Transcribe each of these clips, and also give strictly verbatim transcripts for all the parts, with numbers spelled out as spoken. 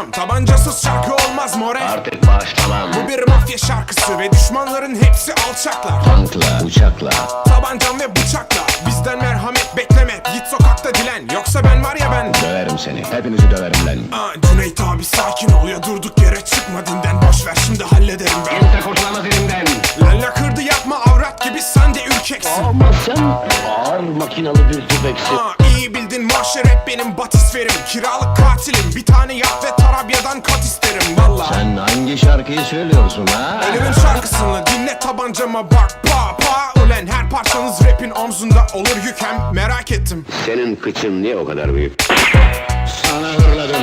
lan. Tabancasız şarkı olmaz more. Artık başlamam. Bu bir mafya şarkısı ve düşmanların hepsi alçaklar. Tankla, uçakla, Tabancam ve bıçakla. Bizden merhamet bekleme. Git sokakta dilen. Yoksa ben var ya ben. döverim seni. Hepinizi döverim lan. Aa, Cüneyt abi sakin ol ya, durduk yere çıkma dinden. Boş ver şimdi hallederim ben. Kimse kurtulamaz elimden. Lalla kırdı yapma avrat gibi, sen de ürkeksin. Ama sen ağır makinalı bir tüfeksin. Aa, iyi bildin mahşer hep benim batisferim. Kiralık katilim, bir tane yap ve Tarabya'dan kat isterim valla. Sen hangi şarkıyı söylüyorsun ha? Ölümün şarkısını dinle, tabancama bak pa pa. Ulen her parçanız rapin omzunda olur yük, hem merak ettim. Senin kıçın niye o kadar büyük? Sana hırladım.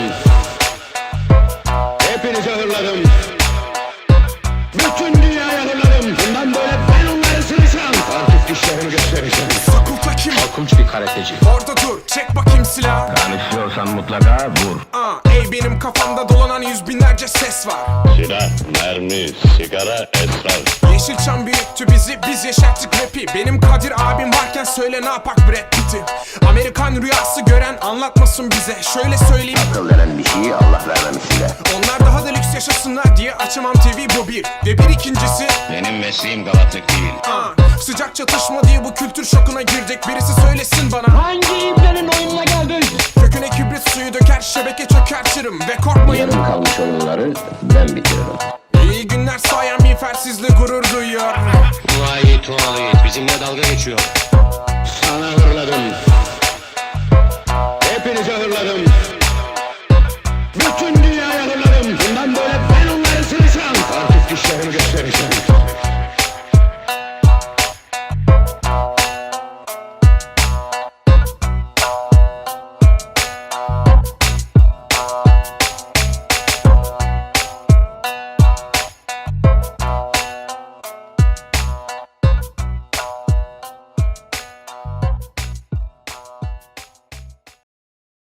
Hepinize hırladım. Bütün dünyaya hırladım. Bundan böyle ben onları sıracağım. Artık dişlerimi göstereceğim. Fakulta kim? Korkunç bir karateci. Orada dur, çek bakayım silah. Kan istiyorsan mutlaka vur. Aa, ey benim kafamda dolanan yüz binlerce ses var. Silah, mermi, sigara, esrar. Yeşilçam büyüttü bizi, biz yaşattık rapi. Benim Kadir abim varken söyle ne yapak Brad Pitt'i. Amerikan rüyası gören anlatmasın bize. Şöyle söyleyeyim, Akıl veren bir şeyi Allah vermemiş size. onlar daha da lüks yaşasınlar diye açamam T V, bu bir. Ve bir ikincisi, Benim mesleğim galatlık değil. aa, sıcak çatışma diye bu kültür şokuna girdik. Birisi söylesin bana, Hangi iplerin oyununa geldin? köküne kibrit suyu döker, şebeke çökertirim. Ve korkmayın, Yarım kalmış oyunları ben bitiririm. iyi günler sayan miğfersizle gurur duyuyor. Vay tuvalet bizimle dalga geçiyor.